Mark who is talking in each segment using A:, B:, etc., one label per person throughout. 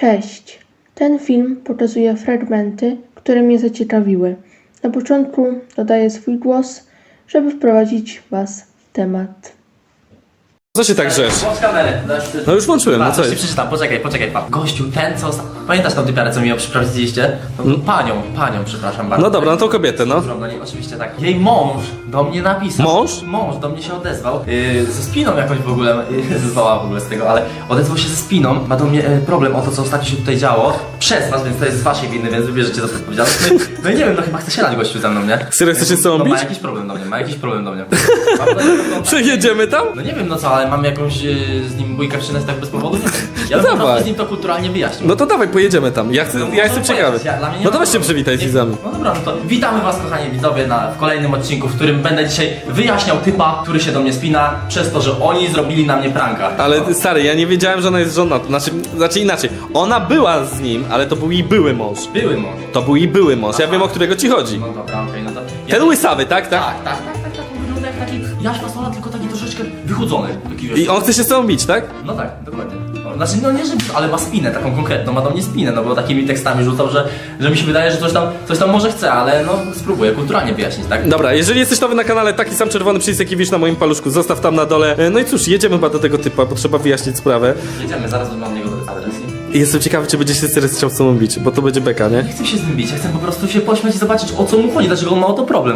A: Cześć! Ten film pokazuje fragmenty, które mnie zaciekawiły. Na początku dodaję swój głos, żeby wprowadzić Was w temat.
B: Co się tak grzesz?
C: Włącz kamerę.
B: No już włączyłem, no co jest?
C: Przeczytam, poczekaj, pan. Gościu, ten co... Pamiętasz tą typiarę, co mi ją przyprowadziliście? No, panią, przepraszam bardzo.
B: No dobra, no tą kobietę, no.
C: No nie, oczywiście tak. Jej mąż do mnie napisał.
B: Mąż?
C: Mąż do mnie się odezwał. Ze spiną jakoś w ogóle, zezwała w ogóle z tego, ale odezwał się ze spiną. Ma do mnie problem o to, co ostatnio się tutaj działo. Przez was, więc to jest z waszej winy, więc wybierzecie za to odpowiedzialność. No i nie wiem, no chyba chce się lać gościu ze mną, nie?
B: Serio, chcesz się z tobą
C: No
B: bić?
C: ma jakiś problem do mnie,
B: Przejedziemy tam?
C: No nie wiem, no co, ale mam jakąś z nim bójkę przynać tak bez powodu? Nie wiem. Ja bym po
B: dawaj.
C: prostu z nim to kulturalnie wyjaśnił.
B: No to dawaj, pojedziemy tam. Ja jestem ciekawy. No to weź się przywitaj z widzami.
C: No dobra, no to witamy was kochani widzowie w kolejnym odcinku, w którym będę dzisiaj wyjaśniał typa, który się do mnie spina przez to, że oni zrobili na mnie pranka.
B: Ale stary, ja nie wiedziałem, że ona jest żona. Znaczy inaczej. Ona była z nim, ale to był jej były mąż.
C: Były mąż.
B: To był jej były mąż. Ja wiem, o którego ci chodzi.
C: No dobra, okej, no to...
B: Ten łysawy, tak?
C: Tak, on wygląda jak taki Jaś Fasola, tylko taki troszeczkę wychudzony. Taki, wiesz,
B: I on chce się z tobą bić, tak?
C: No tak, dokładnie. Znaczy, no nie, że, ale ma spinę taką konkretną, ma do mnie spinę, no bo takimi tekstami rzucał, że mi się wydaje, że coś tam może chce, ale no spróbuję kulturalnie wyjaśnić, tak?
B: Dobra, jeżeli jesteś nowy na kanale, taki sam czerwony przycisk jaki widzisz na moim paluszku, zostaw tam na dole. No i cóż, jedziemy chyba do tego typa, bo trzeba wyjaśnić sprawę.
C: Jedziemy, zaraz mam niego adres.
B: I jestem ciekawy, czy będzie się teraz chciał z tobą bić, bo to będzie beka, nie?
C: Nie chcę się z nim bić, ja chcę po prostu się pośmiać i zobaczyć, o co mu chodzi, dlaczego on ma o to problem.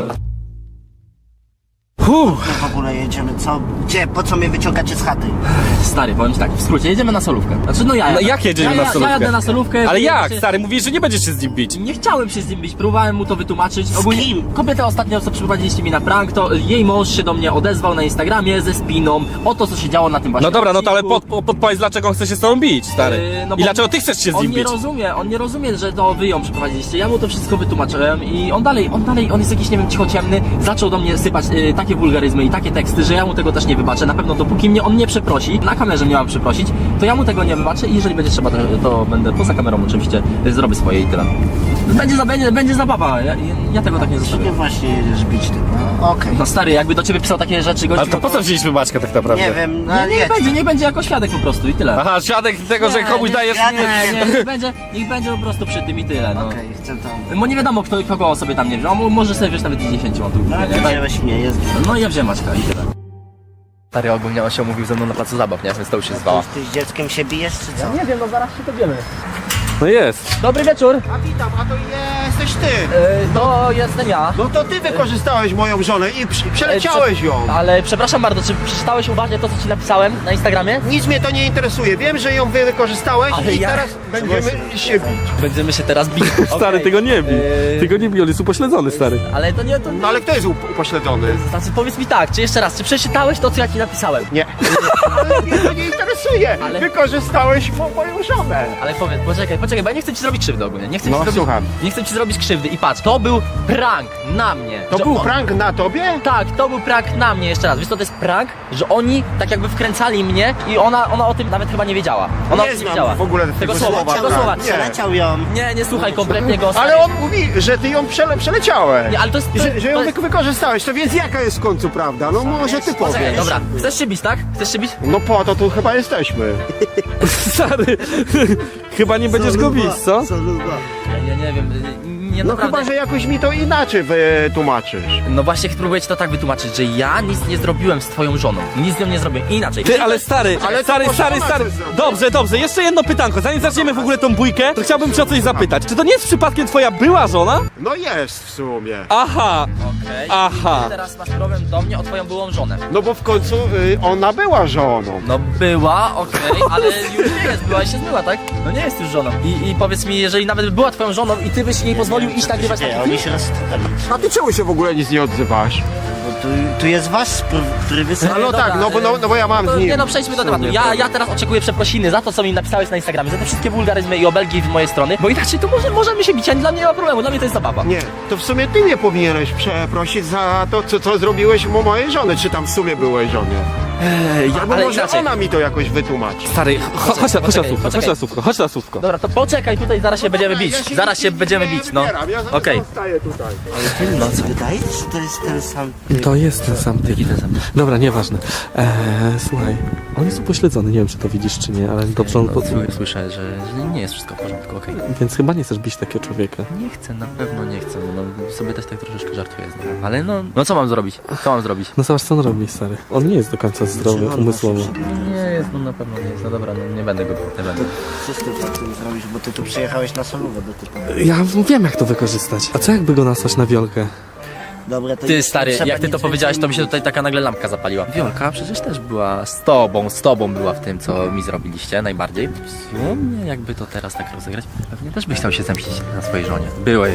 D: W ogóle jedziemy, co? Gdzie? Po co mnie wyciągacie z chaty?
C: Stary, powiem ci tak, w skrócie, jedziemy na solówkę. Znaczy, no ja
B: No
C: jadę.
B: jak jedziemy na solówkę?
C: Ja jadę na solówkę.
B: Ale jak,
C: się...
B: stary? Mówisz, że nie będziesz się z nim bić.
C: Nie chciałem się z nim bić, próbowałem mu to wytłumaczyć. Ogólnie
D: kim?
C: kobietę ostatnio, co przyprowadziliście mi na prank, to jej mąż się do mnie odezwał na Instagramie ze spiną o to, co się działo na tym właśnie
B: No dobra, no to ale
C: odcinku.
B: podpowiedz, dlaczego on chce się z tobą bić, stary.
C: No
B: I
C: bo
B: dlaczego ty chcesz się z nim bić?
C: On nie rozumie, że to wy ją przyprowadziliście. Ja mu to wszystko wytłumaczyłem i on jest jakiś, nie wiem, cichociemny. Zaczął do mnie sypać takie wulgaryzmy i takie teksty, że ja mu tego też nie wybaczę. Na pewno dopóki mnie on nie przeprosi, na kamerze mnie mam przeprosić, to ja mu tego nie wybaczę i jeżeli będzie trzeba, to będę poza kamerą oczywiście zrobię swoje i tyle. Będzie zabawa, ja tego tak nie
D: Sobie
C: zostawię.
D: właśnie jedziesz bić ty. No, okej.
C: No stary, jakby do ciebie pisał takie rzeczy gościu,
B: Ale to po co wzięliśmy Maćka tak naprawdę?
D: Nie wiem, no
C: nie będzie jako świadek po prostu i tyle.
B: Aha, świadek tego, że komuś dajesz...
C: Niech będzie po prostu przy tym i tyle, no.
D: Okej, chcę tam.
C: Bo nie wiadomo kogo on sobie tam nie wziął, on może sobie wziąć nawet 10 on tu.
D: Wziąłeś mnie, jest.
C: No ja wziąłem Maćka i tyle. Stary ogólnie on się umówił ze mną na placu zabaw, nie? Więc to już się zwała.
D: Ty z dzieckiem się bijesz, czy co?
C: Nie wiem, no zaraz się dowiemy.
B: No jest.
C: Dobry wieczór,
E: A witam, a to jesteś ty!
C: to jestem ja.
E: No to ty wykorzystałeś moją żonę i przeleciałeś ją!
C: Ale przepraszam bardzo, czy przeczytałeś uważnie to, co ci napisałem na Instagramie?
E: Nic mnie to nie interesuje, wiem, że ją wykorzystałeś
C: Ale
E: i
C: ja-
E: teraz będziemy się bić.
C: Będziemy się teraz bić.
B: Stary,
C: Okej.
B: tego nie bij. Tego nie bij, on jest upośledzony, stary.
C: Ale to nie, to nie.
E: No ale kto jest upośledzony?
C: Znaczy powiedz mi tak, czy jeszcze raz, czy przeczytałeś to, co ja ci napisałem?
E: Nie. Ale mnie to nie interesuje!
C: Ale-
E: Wykorzystałeś moją żonę!
C: Ale powiedz, poczekaj, bo ja nie chcę ci zrobić krzywdy ogólnie. Nie chcę
E: No,
C: ci zrobić,
E: słucham.
C: Nie chcę ci zrobić krzywdy i patrz, to był prank na mnie.
E: To
C: że
E: był
C: on-
E: prank na tobie?
C: Tak, to był prank na mnie jeszcze raz. Wiesz co, to jest prank, że oni tak jakby wkręcali mnie i ona o tym nawet chyba nie wiedziała. Ona o
E: Nie
C: tym
E: znam
C: wiedziała.
E: w ogóle
C: tego słowa,
E: słowa,
C: tego
E: tak.
C: słowa.
E: Nie.
D: Przeleciał ją.
C: Nie słuchaj kompletnie go.
E: Ale on mówi, że ty ją przeleciałeś.
C: Nie, ale to jest...
E: Że ją wykorzystałeś, to więc jaka jest w końcu prawda? No może ty
C: Poczekaj,
E: powiesz.
C: dobra, chcesz się bić, tak? Chcesz się bić?
E: No po to tu chyba jesteśmy.
B: Stary, chyba nie będziesz go bić, co?
C: Ja nie wiem, nie
E: No
C: naprawdę...
E: chyba, że jakoś mi to inaczej wytłumaczysz.
C: No właśnie próbuję ci to tak wytłumaczyć, że ja nic nie zrobiłem z twoją żoną. Nic z nią nie zrobiłem. Inaczej.
B: Ty, ale stary,
E: Ale to
B: stary.
E: może ona coś zrobi.
B: Dobrze, jeszcze jedno pytanko. Zanim zaczniemy w ogóle tą bójkę, to chciałbym cię o coś zapytać. Czy to nie jest przypadkiem twoja była żona?
E: No jest w sumie.
B: Aha,
C: Okej.
B: aha.
C: Ty teraz masz problem do mnie o twoją byłą żonę.
E: No bo w końcu ona była żoną.
C: No była, okej, ale już nie jest, była i się zmyła, tak? No nie jest już żoną. I powiedz mi, jeżeli nawet była twoją żoną i ty byś jej pozwolił iść nagrywać
D: Nie,
C: taki
D: oni
C: film?
D: się rozstali.
E: A ty czemu się w ogóle nic nie odzywasz?
D: Bo tu jest wasz, który wysłał.
E: No
C: Dobra,
E: tak, no bo ja mam
C: to,
E: z nim.
C: Nie no, przejdźmy do
E: w sumie
C: tematu.
E: problem.
C: Ja teraz oczekuję przeprosiny za to, co mi napisałeś na Instagramie, za te wszystkie wulgaryzmy i obelgi z mojej strony, bo inaczej to możemy się bić, a dla mnie nie ma problemu, dla mnie to jest zabawa.
E: Nie, to w sumie ty mnie powinieneś przeprosić za to, co zrobiłeś mu mojej żony, czy tam w sumie byłej żonie. Albo
C: ale
E: może
C: inaczej.
E: ona mi to jakoś wytłumaczy.
B: Stary, chodź na
C: Poczekaj.
B: słówko, chodź na słówko.
C: Dobra, to poczekaj, tutaj zaraz się będziemy bić. Zaraz się będziemy bić, no. Okej.
E: Staję tutaj.
D: No co? Wydaje ci się, że to jest ten sam.
B: To jest ten sam typ. Dobra, nieważne. Słuchaj, On jest upośledzony, nie wiem czy to widzisz czy nie, ale dobrze on
C: Słyszę, że nie jest wszystko w porządku, okej.
B: Więc chyba nie chcesz bić takiego człowieka.
C: Nie chcę, na pewno nie chcę, no sobie też tak troszeczkę żartuję z nim. Ale no co mam zrobić? Co mam zrobić?
B: No zobacz co on robi, stary. On nie jest do końca zdrowy umysłowo.
C: Nie jest, no na pewno nie jest, no dobra, no nie będę go bił, nie będę.
D: Co ty tak tym zrobisz, bo ty tu przyjechałeś na solówę do typu.
B: Ja wiem jak to wykorzystać. A co jakby go nasłać na wiolkę?
D: Dobra, to
C: Ty
D: już
C: stary,
D: trzeba
C: jak ty to
D: nic
C: powiedziałeś, to mi się
D: więcej
C: tutaj taka nagle lampka zapaliła. Wiolka przecież też była z tobą była w tym, co mi zrobiliście najbardziej. W sumie jakby to teraz tak rozegrać, pewnie też byś chciał się zemścić na swojej żonie. Byłej.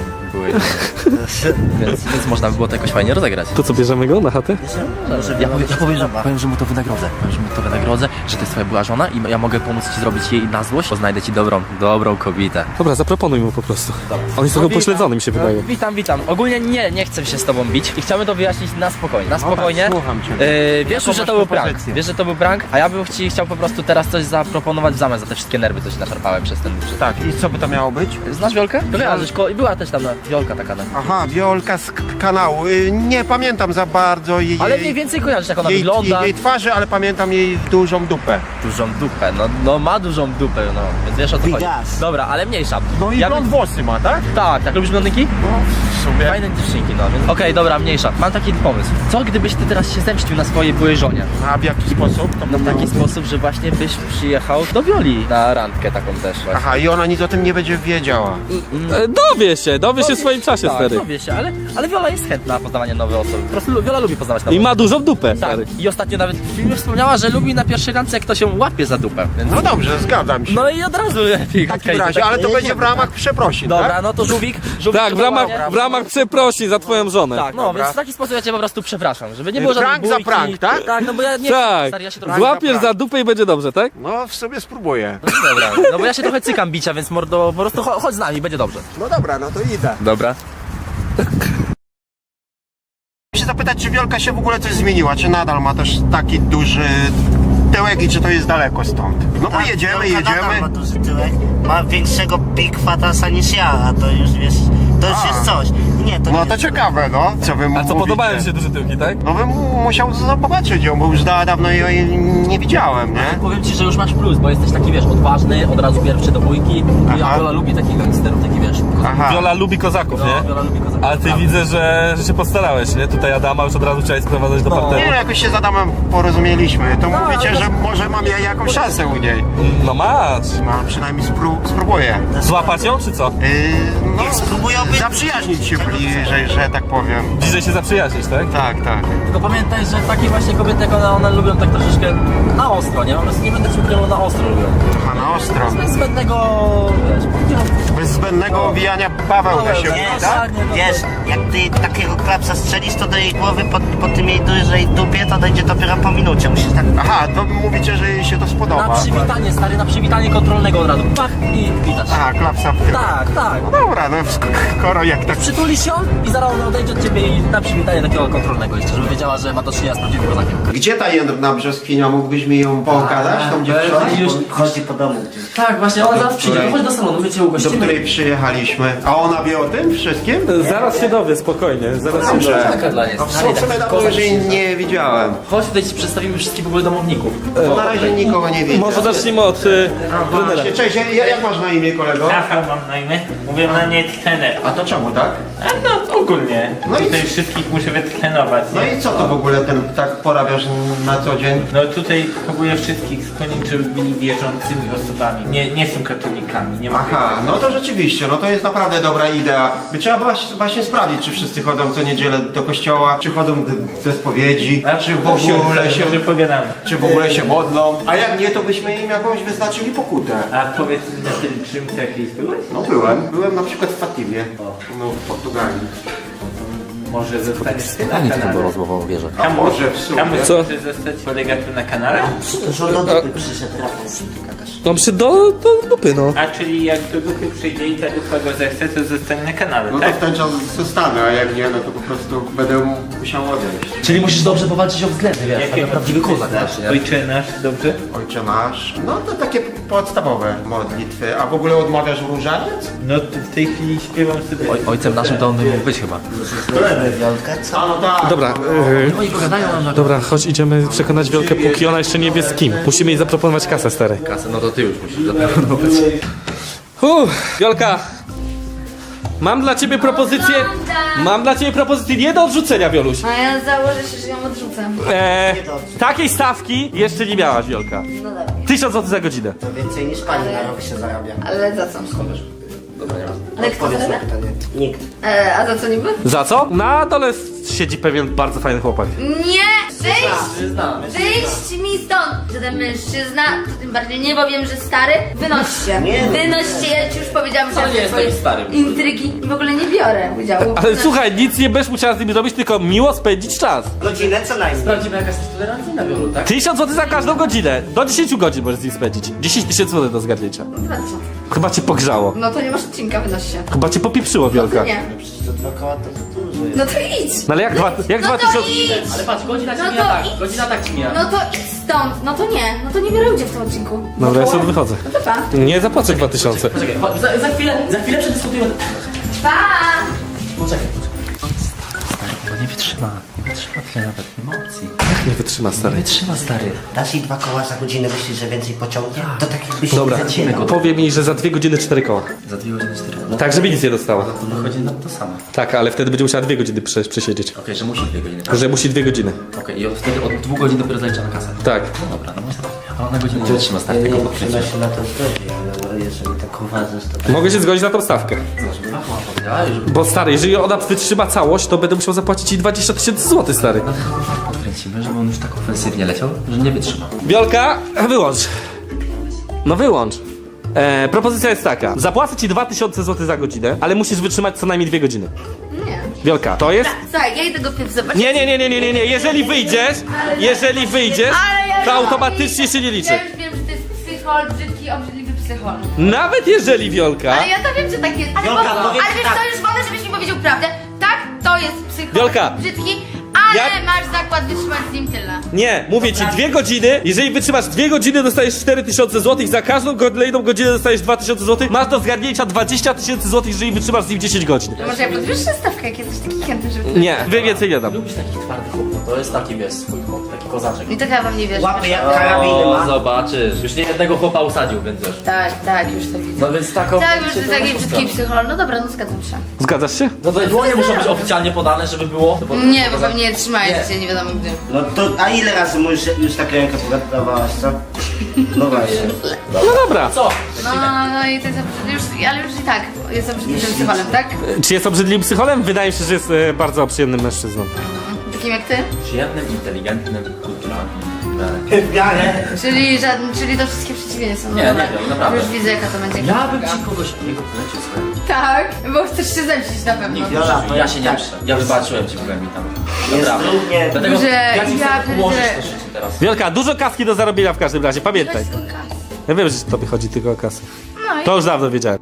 C: więc można by było to jakoś fajnie rozegrać.
B: To co, bierzemy go na chatę?
C: Ja powiem, że mu to wynagrodzę, że to jest twoja była żona i ja mogę pomóc ci zrobić jej na złość, bo znajdę ci dobrą kobietę.
B: Dobra, zaproponuj mu po prostu. On jest trochę upośledzony mi się wydaje.
C: Witam. Ogólnie nie chcę się z tobą bić i chciałbym to wyjaśnić na spokojnie. Na spokojnie.
E: Słucham cię.
C: Wiesz już, że to był prank. Wiesz, że to był prank, a ja bym chciał po prostu teraz coś zaproponować w zamian za te wszystkie nerwy, co ci naszarpałem przez ten...
E: Tak, i co by to miało być?
C: Znasz Wiolkę? Była też tam Wiolka taka.
E: Aha, Wiolka z kanału. Nie pamiętam za bardzo jej...
C: Ale mniej więcej kojarzysz, jak ona
E: jej,
C: wygląda.
E: jej twarzy, ale pamiętam jej dużą dupę.
C: Dużą dupę, no ma dużą dupę, no, więc wiesz o co
D: Big
C: chodzi.
D: ass.
C: Dobra, ale mniejsza.
E: No i
C: Ja
E: blond włosy ma, tak?
C: Tak, lubisz blondynki?
E: No, w sumie.
C: Fajne dziewczynki, no więc... Okej, dobra, mniejsza. Mam taki pomysł. Co gdybyś ty teraz się zemścił na swojej byłej żonie?
E: A w jaki sposób? To
C: No w
E: było?
C: taki sposób, że właśnie byś przyjechał do Wioli na randkę taką też właśnie.
E: Aha, i ona nic o tym nie będzie wiedziała.
B: Dowie się w swoim czasie,
C: Tak,
B: stary.
C: dowie się, ale Wiola jest chętna na poznawanie nowych osób. Po prostu Wiola lubi poznawać nowe
B: I ma dużą dupę,
C: Tak,
B: stary.
C: i ostatnio nawet w filmie wspomniała, że lubi na pierwszej randce, jak to się łapie za dupę. Więc...
E: No dobrze, zgadzam się.
C: No i od razu lepiej.
E: w takim razie, ale to będzie w ramach przeprosin,
C: Dobra,
E: tak?
C: no to żółwik
B: Tak, w ramach przeprosi za twoją żonę.
C: Tak, no
E: Dobra.
C: więc w taki sposób ja cię po prostu przepraszam, żeby nie było żadnej
E: Prank za
C: bójki.
E: prank, tak?
C: Tak, no bo ja nie
B: Tak,
C: stary, ja się trochę...
B: złapiesz za dupę i będzie dobrze, tak?
E: No, w sobie spróbuję.
C: No dobra, no bo ja się trochę cykam bicia, więc mordo, po prostu chodź z nami, będzie dobrze.
E: No dobra, no to idę.
C: Dobra.
E: Chcę się zapytać, czy Wiolka się w ogóle coś zmieniła, czy nadal ma też taki duży tyłek i czy to jest daleko stąd? No bo
D: Tak,
E: jedziemy.
D: Wiolka nadal ma duży tyłek, ma większego Big Fatasa niż ja, a to już wiesz, to już jest coś. Nie, to
E: No
D: nie
E: to
D: jest
E: ciekawe, no. Co wy mówicie?
B: duże tyłki, tak?
E: No bym musiał zobaczyć ją, bo już dawno jej nie widziałem, nie?
C: Powiem ci, że już masz plus, bo jesteś taki, wiesz, odważny, od razu pierwszy do bójki.
E: Aha.
C: Wiola lubi takich gangsterów, taki wiesz,
E: Aha.
B: Wiola lubi kozaków,
C: No, Wiola lubi kozaków.
B: Ale ty widzę, że się postarałeś, nie? Tutaj Adama już od razu chciałeś sprowadzać do
C: No.
B: parteru.
E: Nie, jakoś się z Adamem porozumieliśmy. To mówicie,
C: ale
E: że może mam ja jakąś szansę u niej.
B: No masz.
E: No przynajmniej spróbuję.
B: Złapać ją, czy co?
E: No,
D: Niech spróbują być...
E: zaprzyjaźnić się bliżej, że tak powiem.
B: Bliżej się zaprzyjaźnić, tak?
E: Tak, tak.
C: Tylko pamiętaj, że takie właśnie kobiety, jak one lubią tak troszeczkę na ostro, nie? Po prostu nie będę ci ukrywał, na ostro lubią.
E: Aha, na ostro.
C: Bez zbędnego, wiesz,
E: Bez zbędnego owijania baweł da się mówi, tak?
D: Wiesz, jak ty takiego klapsa strzelisz, to do jej głowy po tym jej dużej dupie, to dojdzie dopiero po minucie. Musisz tak...
E: Aha, to mówicie, że jej się to
C: na
E: spodoba.
C: przywitanie, stary, na przywitanie kontrolnego od razu. Pach i witasz.
E: Aha, klapsa w tył.
C: Tak.
E: No dobra, no skoro jak tak...
C: Przytulisz ją i zaraz ona odejdzie od ciebie i na przywitanie takiego kontrolnego jeszcze, żeby wiedziała, że ma do czynienia z prawdziwym kozakiem.
E: Gdzie ta jedna brzoskwinia? Mógłbyś mi ją pokazać? Tą dziewczynę?
C: już-
D: Chodzi po domu gdzieś.
C: Tak, właśnie, ona zaraz przyjdzie,
E: której?
C: chodź do salonu, my cię
E: Do
C: ugościmy.
E: której przyjechaliśmy. A ona wie o tym wszystkim?
B: Zaraz się dowie, spokojnie. Zaraz się
E: Dobrze.
B: dowie.
C: Taka dla niej.
E: No w sumie dawno już jej nie widziałem.
C: Chodź, tutaj ci przedstawimy wszystkich w ogóle domowników.
E: To na razie nikogo nie widzę.
B: Może zacznijmy od trenera.
E: Właśnie, cześć, jak masz na imię, kolego?
F: Rafał mam na imię, mówię na nie trener.
E: A to czemu tak?
F: A no ogólnie,
E: No i
F: tutaj
E: co?
F: wszystkich muszę wytrenować.
E: No
F: nie?
E: i co to w ogóle ten tak porabiasz na co dzień?
F: No tutaj próbuję wszystkich skłonić, żeby byli wierzącymi osobami. Nie są katolikami, nie ma
E: Aha, no to rzeczywiście, no to jest naprawdę dobra idea. By trzeba właśnie sprawdzić, czy wszyscy chodzą co niedzielę do kościoła, czy chodzą do spowiedzi, czy w ogóle się...
F: że pogadamy.
E: Czy w ogóle się modlą? A jak nie, to byśmy im jakąś wyznaczyli pokutę.
F: A powiedz mi na tym czym jakiejś byłeś?
E: No byłem na przykład w Fatimie, no w Portugalii.
F: Może zostaniesz ty na kanale.
C: rozmową wierzę.
E: A może w sumie.
F: Tam
B: Co?
F: może zostać kolega tu na kanale?
D: Że do dupy przyszedł Rafał.
B: No przy do dupy, no.
F: A czyli jak do dupy przyjdzie i ta dupa go zechce, to zostanie na kanale,
E: No to
F: tak?
E: w ten czas zostanę, a jak nie, no to po prostu będę musiał odejść.
C: Czyli musisz dobrze powalczyć o względy, wiesz,
F: Jakie
C: tak prawdziwy kozak właśnie, nie?
F: Ojcze nasz, dobrze?
E: Ojcze nasz. No to takie podstawowe modlitwy. A w ogóle odmawiasz różaniec?
F: No to w tej chwili śpiewam sobie.
C: Ojcem naszym to on by mógł być chyba.
D: Idziemy Wiolkę, co?
E: A no tak.
B: Dobra,
C: Oni pogadają nam na
B: dobra, chodź, idziemy przekonać Wiolkę, póki ona jeszcze nie wie z kim. Musimy jej zaproponować kasę, stary.
C: kasę, no to ty już musisz zaproponować.
B: Wiolka, mam dla ciebie propozycję. Mam dla ciebie propozycję nie do odrzucenia, Wioluś.
G: A ja założę się, że ją odrzucam.
B: Takiej stawki jeszcze nie miałaś, Wiolka.
G: No dobra.
B: 1000 zł za godzinę.
D: To więcej niż pani na rok się zarabia.
G: Ale za co? Ale kto
D: Odpowiedz na
G: zarabia?
D: pytanie. Nikt.
G: A za co niby?
B: Za co? Na dole siedzi pewien bardzo fajny chłopak.
G: Nie! Wyjść!
C: Znamy.
G: Wyjść mi stąd! Że ten mężczyzna, to tym bardziej nie, bo wiem, że stary. Wynoście.
D: Nie.
G: Wynoście, ja ci już powiedziałam, że
C: Ale nie
G: ja
C: jest
G: swoje
C: takim starym.
G: intrygi w ogóle nie biorę udziału.
B: Ale słuchaj, nic nie będziesz musiała z nim robić, tylko miło spędzić czas.
D: Godzinę co najmniej.
C: Sprawdzimy jaka jest tolerancyjna Wiolu, tak?
B: 1000 zł za każdą godzinę. Do 10 godzin możesz z nim spędzić. 10 000 zł do zgadnięcia.
G: Za co?
B: Chyba cię pogrzało.
G: No to nie masz odcinka, wynoś się.
B: Chyba cię popieprzyło,
G: No
B: Wiolka.
G: to nie.
D: Przecież to 2 koła to dużo jest.
G: No to idź!
B: No ale jak
G: No to
B: 2000...
G: idź!
C: Ale patrz, godzina ci
G: No
C: mija
G: to
C: tak,
G: idź.
C: godzina tak ci mija.
G: No to idź stąd! No to nie biorę udziału w tym odcinku.
B: Dobra, ja stąd wychodzę.
G: No to pa.
B: Nie zapłacę 2000.
C: Poczekaj, za chwilę przedyskutujemy.
G: Pa!
C: Poczekaj. Nie wytrzyma tyle nawet, nie ma opcji.
B: Nie wytrzyma, stary.
C: Wytrzyma, stary.
D: Dasz jej 2 koła za godzinę, myślisz, że więcej pociągnie? To tak jakbyś
B: Dobra,
D: nie zacierał.
B: powie mi, że za 2 godziny 4 koła.
C: Za 2 godziny 4. No
B: Tak, żeby nic nie dostała.
C: to wychodzi nam to samo.
B: Tak, ale wtedy będzie musiała 2 godziny przesiedzieć.
C: Okej, że musi 2 godziny.
B: Że musi 2 godziny.
C: Okej, i wtedy od 2 godzin dopiero zalicza na kasę.
B: Tak.
C: No dobra, no może tak. A ona godzinę nie wytrzyma, stary, tego
D: Nie
C: podkręcić.
D: przyda się na to zgodzi, ale jeżeli tak uważasz, to tak.
B: Mogę się zgodzić na tą stawkę.
C: Powiedziała, że
B: Bo stary, jeżeli ona wytrzyma całość, to będę musiał zapłacić jej 20 000 zł, stary.
C: podkręcimy, żeby on już tak ofensywnie leciał, że nie wytrzyma.
B: Wiolka, wyłącz. No wyłącz. Propozycja jest taka. Zapłacę ci 2000 zł za godzinę, ale musisz wytrzymać co najmniej 2 godziny.
G: Nie.
B: Wiolka, to jest...
G: Słuchaj, ja idę go pierw zobaczyć.
B: Nie. Jeżeli wyjdziesz,
G: Ale ja
B: to
G: wiem.
B: automatycznie się nie liczy.
G: Ja już wiem, że to jest psychol, brzydki, obrzydliwy psychol.
B: Nawet jeżeli, Wiolka...
G: Ale ja to wiem, że tak jest. Ale,
D: Wiolka,
G: bo,
D: powiedz
G: ale wiesz
D: tak.
G: co, już wolę, żebyś mi powiedział prawdę. Tak, to jest psychol,
B: Wiolka.
G: brzydki, ale
B: Ja-
G: masz zakład wytrzymać z nim tyle.
B: Nie, mówię ci 2 godziny. Jeżeli wytrzymasz 2 godziny, dostajesz 4000 zł. Za każdą kolejną godzinę dostajesz 2000 zł. Masz do zgarnięcia 20 000 zł, jeżeli wytrzymasz z nim 10 godzin.
G: To może ja podwyższę stawkę, jak jesteś taki chętny, żeby...
B: Nie, więcej nie dam.
C: Lubisz takich twardych chłopów, to jest taki, wiesz, swój chłop, taki kozaczek.
G: I to chyba wam nie wierzę.
D: Łapy jak karabiny ma.
C: Zobaczysz. Już nie jednego chłopa usadził, więc wiesz.
G: Tak, już to widzę.
C: No więc taką...
G: Tak, już to jest taki brzydki psychol. No dobra, no zgadzam się.
B: Zgadzasz się?
C: No to dłonie muszą być oficjalnie podane, żeby było.
G: Nie, bo pewnie nie trzymacie się, nie wiadomo gdzie.
D: No to, a ile razy mu już tak rękę podawałaś, co? No właśnie.
B: No dobra.
C: Co?
G: No i to jest już, ale już i tak, jest obrzydliwym psycholem, tak?
B: Czy jest obrzydliwym psycholem? Wydaje mi się, że jest bardzo przyjemnym mężczyzną.
G: Takim jak ty?
C: Przyjemnym, inteligentnym, kulturalnym.
D: W miarę.
G: Czyli to wszystkie przeciwieństwa. No
C: Nie,
G: dobra.
C: nie wiem, naprawdę.
G: Już widzę jaka to będzie.
C: Ja bym ci kogoś takiego polecił, słuchaj.
G: Tak, bo chcesz się zemścić na pewno.
D: Wiola,
C: Ja się nie
D: tak.
C: muszę. Ja wybaczyłem ci w głębi tam.
D: Jest
C: Naprawdę.
D: równie.
C: Dlatego
G: Że
C: ja ci
G: ja
C: chcę ułożyć
G: pierdzielę.
C: to życie teraz.
B: Wielka, dużo kaski do zarobienia w każdym razie, pamiętaj. Ja wiem, że tobie chodzi tylko o kasę.
G: No i
B: To już dawno wiedziałem.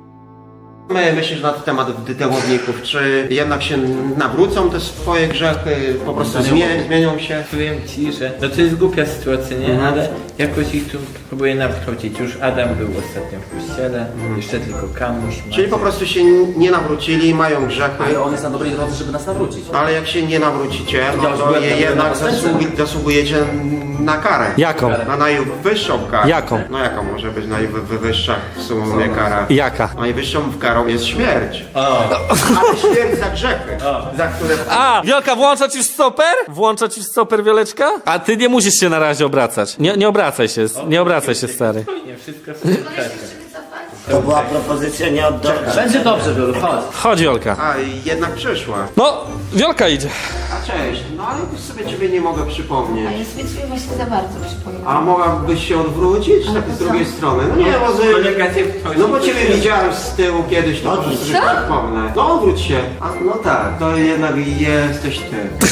E: Myślisz na temat dytełowników, czy jednak się nawrócą te swoje grzechy, po prostu zmienią się?
F: Powiem ci, że no to jest głupia sytuacja, nie? Ale jakoś ich tu próbuję nawrócić. Już Adam był ostatnio w kościele, jeszcze tylko Kamuś.
E: Czyli po prostu się nie nawrócili, mają grzechy,
C: Ale on jest na dobrej drodze, żeby nas nawrócić.
E: ale jak się nie nawrócicie, no to
C: byłem
E: jednak
C: na
E: zasługujecie na karę.
B: Jaką?
E: Na najwyższą karę.
B: Jaką?
E: No jaką może być najwyższa w sumie kara?
B: Jaka?
E: Najwyższą karą jest śmierć. Ale śmierć za grzechy, za które...
B: A, Wiolka, włącza ci w stoper? Włącza ci w stoper, Wioleczka? A ty nie musisz się na razie obracać. Nie obracaj się, stary.
F: Spokojnie, wszystko sobie wystarczy.
D: To była propozycja nie od dobra.
C: Będzie dobrze, Wiolu, chodź.
B: Chodź, Wiolka.
E: A, jednak przyszła.
B: No, Wiolka idzie.
E: A cześć, no ale sobie ciebie nie mogę przypomnieć.
G: ja sobie czuję właśnie za bardzo, przypomnę.
E: A mogłabyś się odwrócić tak z drugiej strony? No nie,
F: Kolega cię wchodzi.
E: no bo ciebie widziałem z tyłu kiedyś, to po prostu się przypomnę. No odwróć się. A, no tak, to jednak jesteś ty.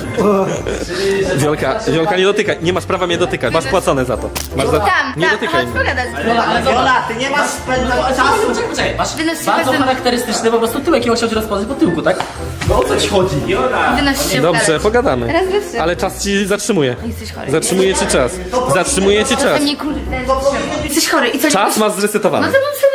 B: Wiolka, nie dotykaj. Nie masz prawa mnie dotykać. Masz płacone za to. Masz za... Nie dotykaj
G: chodź
B: mnie.
G: pogadać.
D: Ale Wiola, ty nie masz spędzać czasu.
C: Poczekaj, masz
G: Wynoś się
C: bardzo
G: bez-
C: charakterystyczny po prostu tyłek i on chciał cię rozpoznać po tyłku, tak? No o co ci chodzi?
G: Wynoś się
B: Dobrze,
G: pogadać.
B: pogadamy.
G: Teraz wyszedł.
B: Ale czas ci zatrzymuje.
G: Jesteś chory.
B: Zatrzymuje ci czas. Zatrzymuje ci czas.
G: To mnie kurde. Jesteś chory i co?
B: Czas masz
G: No
B: zresetowany.
G: to bym sobie zresztą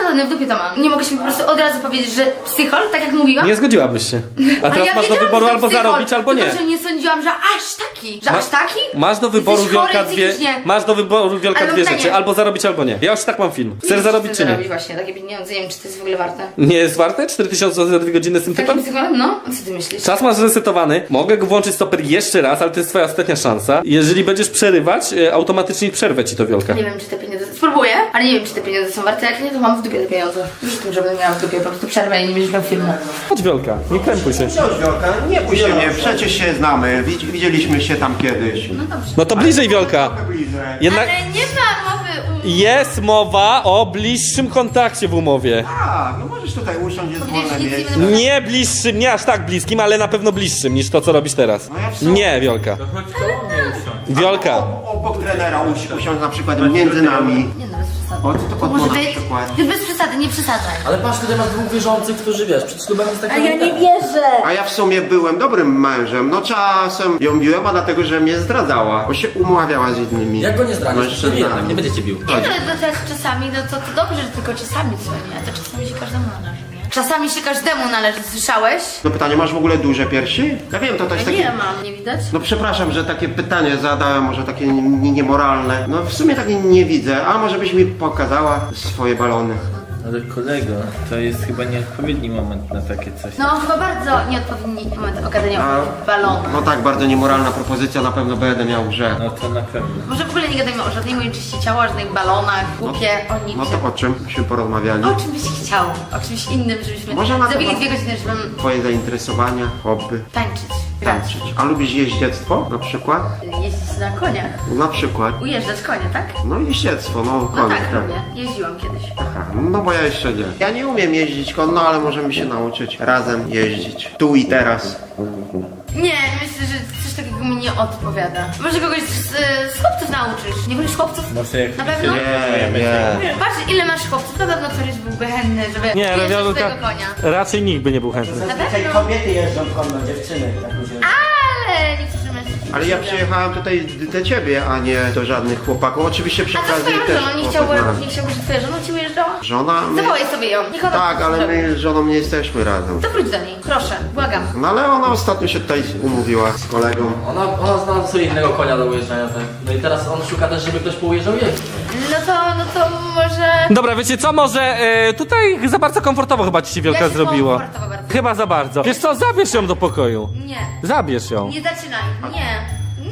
G: nie w dupie to mam. Nie mogę się po prostu od razu powiedzieć, że psychol, tak jak mówiłam.
B: Nie zgodziłabyś się. A
G: Ale
B: teraz
G: ja
B: masz do
G: wiedziałam,
B: wyboru
G: że
B: albo
G: psychol,
B: zarobić, albo nie.
G: Tylko, że nie sądziłam, że aż taki. Że aż taki?
B: Masz do wyboru
G: Jesteś chory
B: Wielka dwie.
G: psychicznie.
B: Masz do wyboru Wielka
G: Ale
B: dwie
G: pytanie.
B: rzeczy. Albo zarobić, albo nie. Ja już tak mam film. Chcesz zarobić czy nie?
G: Zarobić właśnie, takie pieniądze, nie wiem, czy to jest w ogóle warte.
B: Nie jest warte? 4000 zł za 2 godziny z tym
G: Takim
B: typem?
G: psycholem? No, co ty myślisz?
B: Czas masz resetowany. Mogę go włączyć stoper jeszcze raz, ale to jest twoja ostatnia szansa. Jeżeli będziesz przerywać, automatycznie przerwę ci to Wielka.
G: Nie wiem, czy te pieniądze... Spróbuję, ale nie wiem, czy te pieniądze są warte. Jak nie, to mam w dupie te pieniądze. Już tym, żebym miała w dupie, po prostu przerwę i nie będziesz miał filmu.
B: Chodź Wielka, nie krępuj się.
E: Chodź, Wiolka, nie bój się mnie, przecież się znamy, widzieliśmy się tam kiedyś.
G: No dobrze.
B: No to bliżej Wielka.
E: Trochę bliżej.
B: Jednak
G: Ale nie ma mowy
B: jest mowa o bliższym kontakcie w umowie.
E: Tak, no możesz tutaj usiąść, jest
G: Powiedziałeś,
E: wolne
G: nic nie
E: miejsce.
G: będę-
B: Nie bliższym, nie aż tak bliskim, ale na pewno bliższym niż to, co robisz teraz.
E: No ja w sumie-
B: Nie, Wiolka.
F: Chodź koło mnie usiądź.
B: Wiolka.
E: Obok trenera usiąść na przykład między nami.
G: Nie no, bez przesady.
E: O, co to
G: Może
E: na
G: ty...
E: przykład?
G: Ty bez przesady, nie przesadzaj.
C: Ale patrz, tutaj masz dwóch wierzących, którzy wiesz, przed ślubem jest taka...
G: wierzę.
E: A ja w sumie byłem dobrym mężem, no czasem ją biłem, a dlatego, że mnie zdradzała, bo się umawiała z innymi
C: Jak go nie zdradzisz, to
E: mężczyznami.
C: jednak, nie będzie cię bił.
G: Nie no, to tak czasami, no to dobrze, że tylko czasami co nie, a to czasami się każdemu należy, nie? Czasami się każdemu należy, słyszałeś?
E: No pytanie, masz w ogóle duże piersi? Ja wiem, to też
G: Ja
E: takie...
G: nie mam, nie widać?
E: No przepraszam, że takie pytanie zadałem, może takie niemoralne. No w sumie takie nie widzę, a może byś mi pokazała swoje balony.
F: Ale kolego, to jest chyba nieodpowiedni moment na takie coś.
G: No chyba bardzo nieodpowiedni moment ogadania
E: A-
G: o balonu.
E: No tak, bardzo niemoralna propozycja, na pewno będę miał grze.
F: No to na pewno.
G: Może w ogóle nie gadajmy o żadnej mojej części ciała, o żadnych balonach, głupie, o
E: No
G: niczym.
E: to o czym byśmy porozmawiali?
G: O czym byś chciał? O czymś innym, żebyśmy
E: Może na
G: zabili
E: temat-
G: 2 godziny, żebym
E: Twoje zainteresowania, hobby,
G: tańczyć, grać,
E: tańczyć. A lubisz jeździectwo na przykład?
G: jeździć na koniach,
E: Na przykład.
G: ujeżdżać konie, tak?
E: No jeździectwo, no
G: No
E: konie,
G: tak, robię. Jeździłam kiedyś.
E: Aha, no bo ja jeszcze nie. Ja nie umiem jeździć konno, ale możemy się nauczyć razem jeździć. Tu i teraz.
G: Nie, myślę, że coś takiego mi nie odpowiada. Może kogoś z chłopców nauczysz. Nie wolisz chłopców?
F: Może jak
G: Na
F: my się
G: pewno?
E: Nie.
G: Patrz, ile masz chłopców, na pewno któryś byłby chętny, żeby
B: Nie,
G: ujeżdżać
B: Wiolka.
G: swojego konia.
B: Raczej nikt by nie był chętny.
G: Na pewno?
H: Kobiety jeżdżą konno, dziewczyny. Tak mi się...
G: Ale niektórzy mężczyźni.
E: Ale ja przyjechałem tutaj do ciebie, a nie do żadnych chłopaków. Oczywiście przy
G: A co z
E: okazji
G: twoją
E: też
G: żoną? Nie
E: poznałem.
G: chciałbyś, że twoja żona ci ujeżdżała?
E: Żona? My...
G: Zawołaj sobie ją. Niech ona
E: Tak,
G: to
E: ale
G: zrobi.
E: my z żoną nie jesteśmy razem.
G: To wróć do niej, proszę, błagam.
E: No ale ona ostatnio się tutaj umówiła z kolegą.
C: Ona znalazła sobie innego konia do ujeżdżania, tak? No i teraz on szuka też, żeby ktoś poujeżdżał jej.
G: No to może...
B: Dobra, wiecie co, może tutaj za bardzo komfortowo chyba ci się Wielka
G: Ja się
B: zrobiło.
G: komfortowo bardzo.
B: Chyba za bardzo. Wiesz co, zabierz ją do pokoju.
G: Nie,
B: Zabierz ją.
G: nie zaczynaj, nie.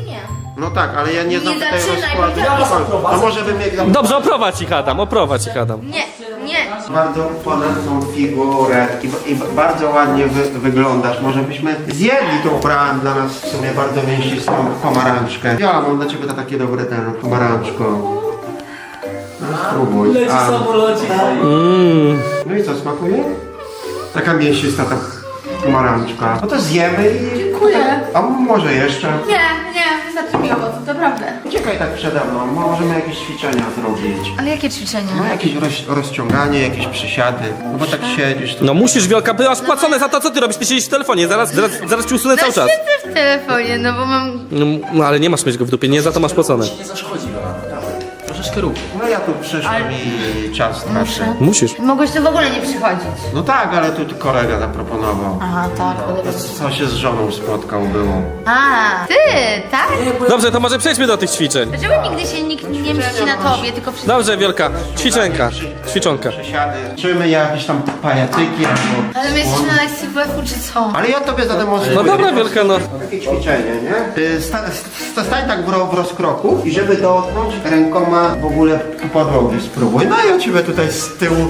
E: No tak, ale ja nie znam
G: Nie
E: tutaj
G: zaczynaj,
E: rozkładu.
G: bo ja was
E: To może bym jak
B: Dobrze, oprowadź ich Adam, oprowadź ich Adam.
G: Nie, nie.
E: bardzo ponadną figurę i bardzo ładnie wyglądasz. Może byśmy zjedli tą brałem dla nas w sumie bardzo mięsistą pomarańczkę. Ja mam dla ciebie to takie dobre ten pomarańczko. No, spróbuj.
C: samolocik.
E: No i co, smakuje? Taka mięsista ta pomarańczka. No to zjemy i...
G: Dziękuję.
E: A może jeszcze?
G: Nie, wystarczy mi owoców, naprawdę.
E: Uciekaj tak przede mną, możemy jakieś ćwiczenia zrobić.
G: Ale jakie ćwiczenia?
E: No jakieś rozciąganie, jakieś przysiady. No bo tak siedzisz tu.
B: No musisz Wielka, ty masz płacone za to, co ty robisz, ty siedzisz w telefonie, zaraz ci usunę cały czas.
G: Siedzę w telefonie, no bo mam...
B: No ale nie masz mieć go w dupie, nie za to masz płacone.
C: Nie zaszkodzi, naprawdę. Troszeczkę rób.
E: No ja tu przyszłem i czas tracę.
B: Musisz.
G: Mogłeś tu w ogóle nie przychodzić.
E: No tak, ale tu kolega zaproponował.
G: Aha, tak.
E: Co się z żoną spotkał było.
G: A, ty, tak?
B: Dobrze, to może przejdźmy do tych ćwiczeń.
G: Dlaczego nigdy się nikt nie mści na tobie, tylko wszyscy...
B: Dobrze, Wielka, ćwiczenka, ćwiczonka.
E: Przysiady. Czymy jakieś tam pajacyki albo...
G: Ale my jesteśmy na lekcji WF-u, czy co?
E: Ale ja tobie zademonstruję.
B: No dobra, Wielka, no.
E: Takie ćwiczenie, nie? Stań tak w rozkroku i żeby dotknąć rękoma w ogóle podłogi spróbuj. No i ja ciebie tutaj z tyłu.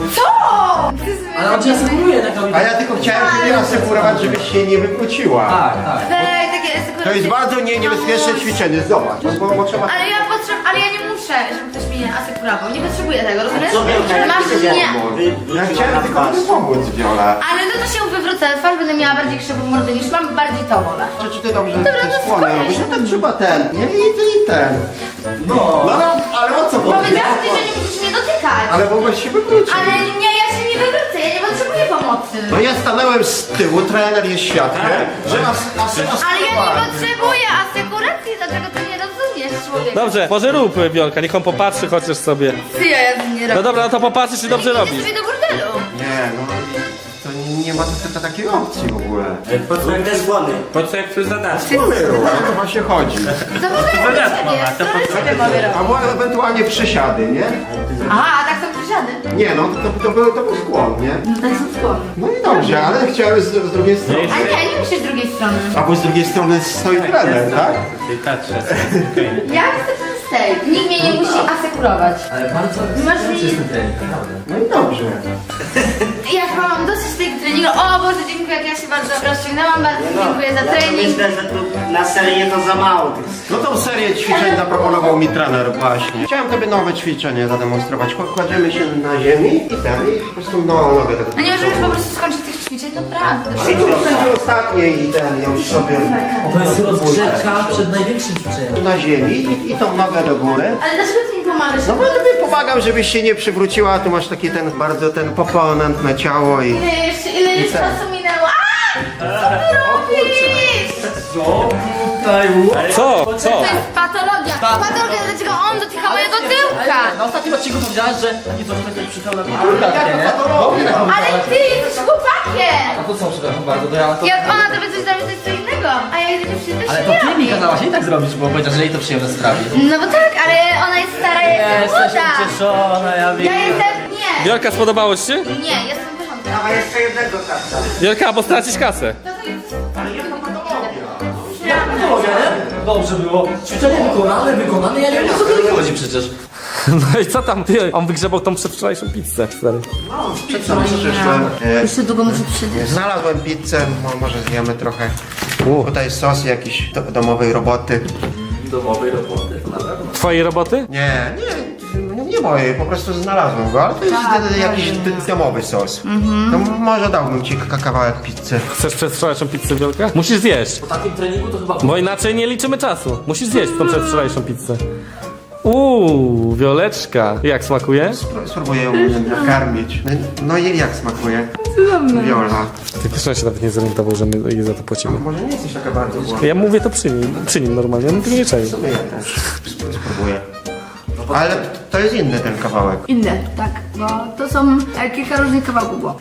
C: Ale on cię asekuruje tak robi.
E: A ja tylko chciałem ciebie asekurować, żebyś się nie wykłóciła.
C: Tak, tak.
G: Ej, takie...
E: To jest bardzo niebezpieczne ćwiczenie, zobacz. Bo trzeba...
G: Ale ja nie muszę, żeby ktoś mnie asekurował. Nie potrzebuję tego, rozumiesz?
H: Co Wielka, jak
G: Masz
H: ty
G: mnie.
E: Ja chciałem tylko tobie pomóc, Viola.
G: Ale no to się wywrócę twarz, będę miała bardziej krzywą mordę niż mam, bardziej to wolę.
E: Czy ty dobrze
G: Dobra,
E: te
G: to
E: skłony
G: spokojnie.
E: robisz? No tak trzeba ten. Nie i ten. No, ale o co chodzi?
G: Powiedziałam ci, że nie musisz mnie dotykać.
E: Ale mogłeś się wywrócić.
G: Ale nie, ja się nie wywrócę, ja nie potrzebuję pomocy.
E: No ja stanąłem z tyłu, trener jest świadkiem, że
G: Ale ja nie potrzebuję asekuracji, dlaczego ty nie rozumiesz? człowieka.
B: Dobrze, może rób, Wiolka, niech on popatrzy chociaż sobie.
G: Ty, ja nie robię.
B: No dobra, no to popatrzysz, czy dobrze
G: Idę
B: robisz.
G: sobie do bordelu.
E: Nie, no to nie ma takiej opcji w ogóle.
H: Po co jak też głodny?
F: Po co jak to zadać?
E: O to właśnie chodzi.
G: Za bordelu sobie mogę robić.
E: Albo ewentualnie przysiady, nie?
G: Aha, a tak są przysiady.
E: Nie, no to był skłon, nie?
G: No tak są skłonne.
E: No i dobrze, ale chciałem z drugiej strony.
G: A nie, nie myślę z drugiej strony.
E: Albo z drugiej strony stoi trener, tak?
F: Tej patrzę.
G: Ja chcę ten steak. Nikt mnie nie musi asekurować.
C: Ale bardzo
G: Masz mi...
C: trening.
E: No i dobrze.
G: Ja chyba mam dosyć tego treningu. O Boże, dziękuję, jak ja się bardzo rozciągnęłam. Bardzo dziękuję za
D: Ja to
G: trening.
D: myślę, że tu na serię to za mało.
E: No tą serię ćwiczeń zaproponował mi trener właśnie. Chciałem tobie nowe ćwiczenie zademonstrować. Kładziemy się na ziemi i po prostu nogę tak.
G: No nie możemy po prostu skończyć tych ćwiczeń, naprawdę.
E: I tu będzie ostatnie i ja już sobie
C: To jest rozgrzewka przed największym ćwiczeniem.
E: na ziemi i tą nogę do góry.
G: Ale dlaczego ty mi pomagasz?
E: No bo tobie pomagam, żebyś się nie przywróciła, tu masz taki ten bardzo ten poponentne ciało i...
G: Ile jeszcze czasu minęło? Co ty robisz?
B: Co? Co?
G: To jest patologia. Patologia, dlaczego on dotyka mojego tyłka?
C: Na ostatnim odcinku powiedziałaś, że taki coś taki przytał na mnie kulkawkę, nie?
G: Ale ty jesteś chłopakiem!
C: A to co, przepraszam bardzo, to ja to...
G: Jak ona tobie coś zrobi, to jest co innego. A ja jedynie przyjdę
C: Ale to ty mi kazałaś jej tak zrobić, bo powiedział, że jej to przyjemne sprawi.
G: No bo tak, ale ona jest stara, ja jestem
C: Jesteś
G: młoda.
C: ucieszona, ja wiem.
G: Ja jestem... Nie.
B: Wiolka, spodobało ci się?
G: Nie, jestem w porządku.
D: Dawaj jeszcze jednego karta.
B: Wiolka, bo stracisz kasę.
C: Dobrze było. Ćwiczenie wykonane, ja nie wiem, o co tu chodzi przecież.
B: No i co tam? Ty, on wygrzebał tą przedwczorajszą pizzę, stary.
E: Przyszłem.
G: Jeszcze długo muszę przyjść.
E: Znalazłem pizzę, może zjemy trochę. Tutaj sos jakiś domowej roboty.
C: Domowej roboty, to na pewno.
B: Twojej roboty?
E: Nie mojej, po prostu znalazłem go, ale to jest jakiś domowy sos. To może dałbym ci kawałek pizzy.
B: Chcesz przedwczorajszą pizzę, Wiolka? Musisz zjeść,
C: Po takim treningu to chyba...
B: bo inaczej nie liczymy czasu. Musisz zjeść tą przedwczorajszą pizzę. Wioleczka. Jak smakuje?
E: Spróbuję ją nakarmić. No i jak smakuje? Wiola.
B: Ty też on się nawet nie zorientował, że my jej za to płacimy.
E: Może nie jesteś taka bardzo głodna.
B: Ja mówię to przy nim normalnie, on tego nie czai.
E: No ja też spróbuję. Ale to jest inny ten kawałek.
G: Inne, tak, bo to są kilka różnych kawałków było.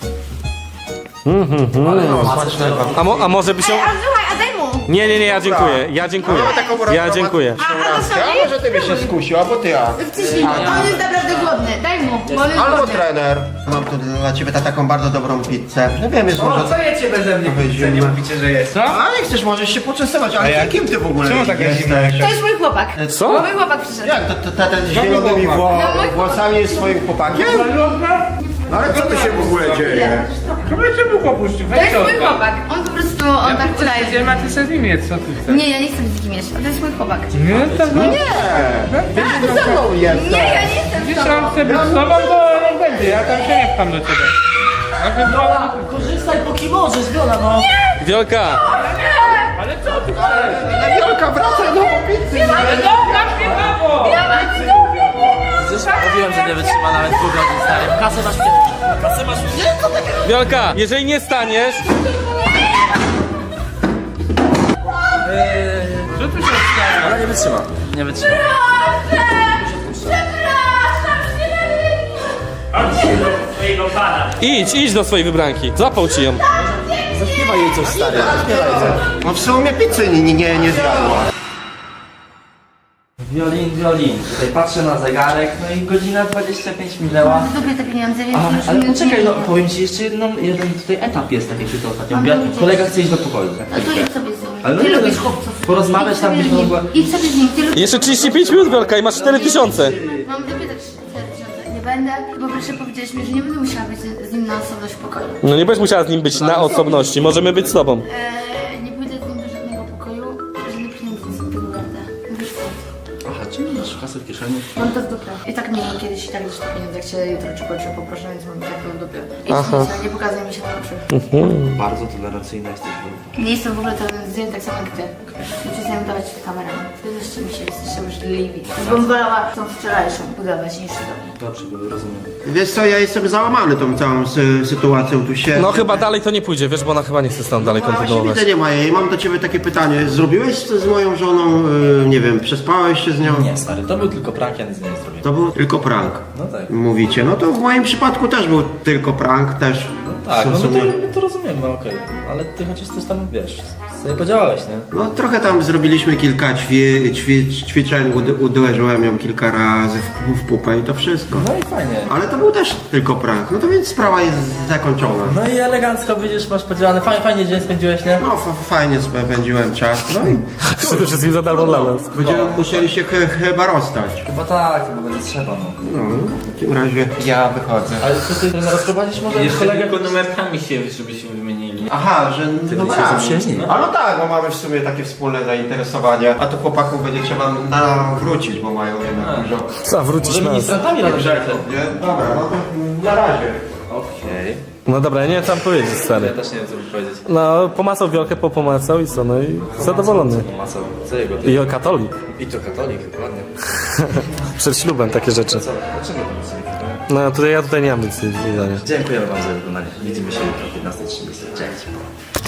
B: A może by się...
G: A słuchaj, a daj mu!
B: Nie, ja dziękuję. Ja dziękuję. Ja dziękuję.
G: A to
E: A może ty byś się skusił, albo ty ja.
G: Wciśnij, on jest naprawdę głodny, daj mu, bo on jest
E: Albo
G: głodny.
E: trener. Mam tu dla ciebie taką bardzo dobrą pizzę. No wiem, jest może...
F: Co jecie beze mnie?
E: Wyjdziemy.
F: Nie mówicie, że jest. Co?
E: A nie chcesz, możesz się poczęstować, ale kim ty w ogóle
F: Czemu tak
E: jesteś?
G: To jest mój chłopak.
B: Co?
G: Mój chłopak przyszedł.
E: Jak to ten z zielonymi włosami jest swoim chłopakiem? No ale co tu się w ogóle dzieje?
F: Kobiecie mu opuścił,
G: To jest mój chłopak. On po prostu, on tak udaje.
F: Gdzie macie sobie z nim mieć, co ty chcesz?
G: Nie, ja nie chcę z nim mieć. To jest mój chłopak.
F: Nie, to
E: Nie! Ty ze mną jesteś!
G: Nie, ja nie jestem
F: Wiesz,
G: z tobą.
F: on chce być z tobą, to nie będzie, ja tam się nie pcham do ciebie.
C: Viola, korzystaj póki możesz, Viola, no.
B: Wiolka!
F: Ale co ty chcesz?
E: Wiolka, wracaj do pizzy!
F: Ale dobra, śpiewało!
C: Przecież mówiłem, że nie wytrzyma nawet pół godzin, stary. Kasę masz pierwszą. Kasę masz pierwszą.
B: Wiolka, jeżeli nie staniesz...
F: Co tu się stało?
C: Ona nie wytrzyma. Nie wytrzyma.
B: Idź do swojej wybranki. Złapał ci ją.
C: Zaśpiewaj jej coś, stary.
E: No w sumie pizzy nie zjadła.
C: Wiolin. Tutaj patrzę na zegarek, no i godzina 25 minęła.
G: Lubię te pieniądze, więc już
C: Ale
G: mi
C: poczekaj,
G: nie-
C: no powiem ci jeszcze jeden tutaj etap jest, tak jak ci to ostatnio mówię. Kolega chce iść do pokoju.
G: No to idź sobie z nim.
C: Ale no
G: Ty
C: nie,
G: lubisz
C: no,
G: chłopców.
C: porozmawiać
G: Idź
C: tam
G: sobie
C: byś
G: z nim.
C: mogła.
G: Idź sobie z nim, ty lubisz...
B: Jeszcze 35 minut, Wiolka, i masz 4000.
G: Mam dopytać 4000. Nie będę, bo proszę powiedziałeś mi, że nie będę musiała być z nim na osobność w pokoju.
B: No nie będziesz musiała z nim być na osobności. Możemy być z tobą.
G: Nie pójdę z nim do żadnego pokoju, żadne pieniądze z tego garda. Mówisz co?
C: Aha, czemu masz kasę w kieszeni?
G: Mam to w dupie. I tak miałem kiedyś i tak już te pieniądze, jak się jutro czy pojutrze poproszę, więc mam tak to w dupie. I nie pokazuj mi się na oczy.
C: Bardzo tolerancyjna jesteś.
G: Nie jestem w ogóle tolerancyjny, tak samo jak ty. Nie przestałem dawać kamerę. Wybierzcie mi się, jesteście możliwi. Bym wolała tą wczorajszą budować niż to.
C: Dobrze, rozumiem.
E: Wiesz co, ja jestem załamany tą całą sytuacją tu się.
B: No chyba dalej to nie pójdzie, wiesz, bo ona chyba nie chce tam dalej
E: No właśnie
B: kontynuować.
E: widzę, nie ma jej. Mam do ciebie takie pytanie. Zrobiłeś to z moją żoną, nie wiem, przespałeś się z nią?
C: Nie, stary, to był tylko prank, ja nic nie zrobię.
E: To był tylko prank.
C: No tak.
E: Mówicie. No to w moim przypadku też był tylko prank, też.
C: Tak,
E: w
C: no
E: sumie-
C: my to rozumiemy, okej. Ale ty chociaż coś tam, wiesz, sobie podziałałeś, nie?
E: No trochę tam zrobiliśmy kilka ćwiczeń, uderzyłem ją kilka razy w pupę i to wszystko.
C: No i fajnie.
E: Ale to był też tylko prank. No to więc sprawa jest zakończona.
C: No i elegancko, widzisz, masz podziałane. Fajnie dzień spędziłeś, nie?
E: No fajnie spędziłem czas. No i
B: Przede wszystkim za darmo dla nas.
E: będziemy musieli się chyba rozstać.
C: Chyba tak, chyba będzie trzeba, no.
E: No, w takim razie ja wychodzę.
C: Ale co ty trener rozprowadzisz może
F: Jeszcze
C: kolegę?
F: tylko numerkami się, żebyśmy wymienili.
E: Aha, że no
C: się zaprzyjaźnili.
E: A no tak, bo mamy w sumie takie wspólne zainteresowania. A tu chłopaków będzie trzeba wrócić, bo mają jednak dużo.
B: Co, wrócić
C: Może
B: na nas.
C: ministrantami razem
E: Grzechów, nie? Dobra, no to na razie.
C: Okej.
B: No dobra, ja nie wiem co mam powiedzieć,
C: Ja
B: stary.
C: też nie wiem, co by powiedzieć.
B: No, pomacał wielkę, pomacał i co, no i zadowolony.
C: Pomacał. Co jego?
B: I o katolik.
C: I to katolik, dokładnie.
B: Przed ślubem takie rzeczy.
C: Co? Dlaczego to sobie?
B: No, ja tutaj nie mam nic do dodania.
C: Dziękujemy wam za oglądanie. Widzimy się jutro o 15:30. Cześć.